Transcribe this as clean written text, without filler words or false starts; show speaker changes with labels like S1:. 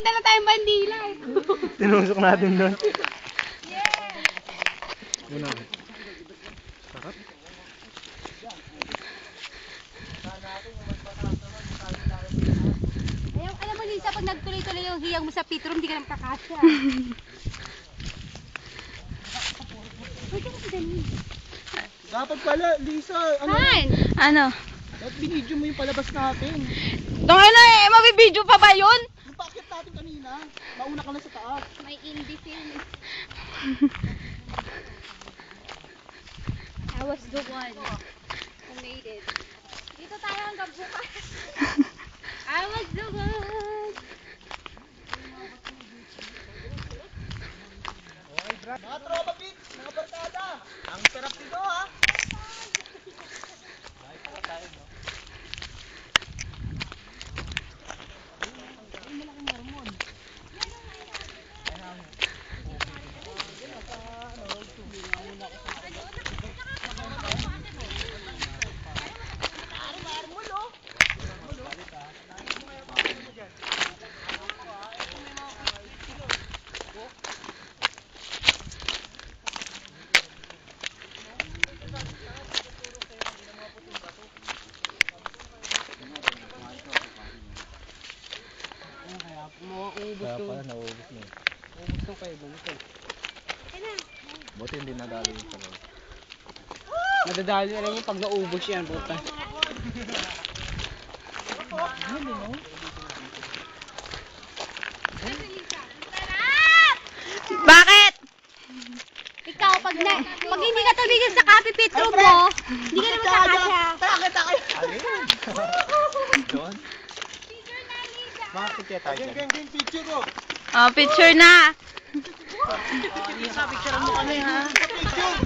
S1: Dala tayong bandila.
S2: Tinusok natin doon. Muna. Sarap.
S1: Ayaw, alam mo Lisa, pag nagtuloy-tuloy yung hiyang mo sa pitro, hindi ka nang kakasya.
S3: Dapat pala, Lisa, ano?
S1: Han!
S4: Ano?
S3: Dapat binidyo mo yung palabas natin.
S4: Tungin na eh, mabibidyo pa ba yun?
S3: Yung paakit natin kanina, mauna ka na sa taas.
S1: May indie film. I was the one who made it. Dito tayo hanggang bukas. I was the one.
S3: Mga tropa pits, mga barkada. Ang sarap dito ha.
S2: Kaya pala nauubos na eh. Buti hindi nadali yung sarap.
S3: Madadali alam mo pag naubos yan, puta.
S4: Bakit?
S1: Ikaw, pag hindi ka tumigil sa coffee pitro mo, hindi ka naman kakasya.
S2: Alin? Doon? Bakit kaya tayo dyan?
S3: Gang, picture ko.
S4: Oh, picture na.
S3: Lisa, picture mo kami ha. Picture.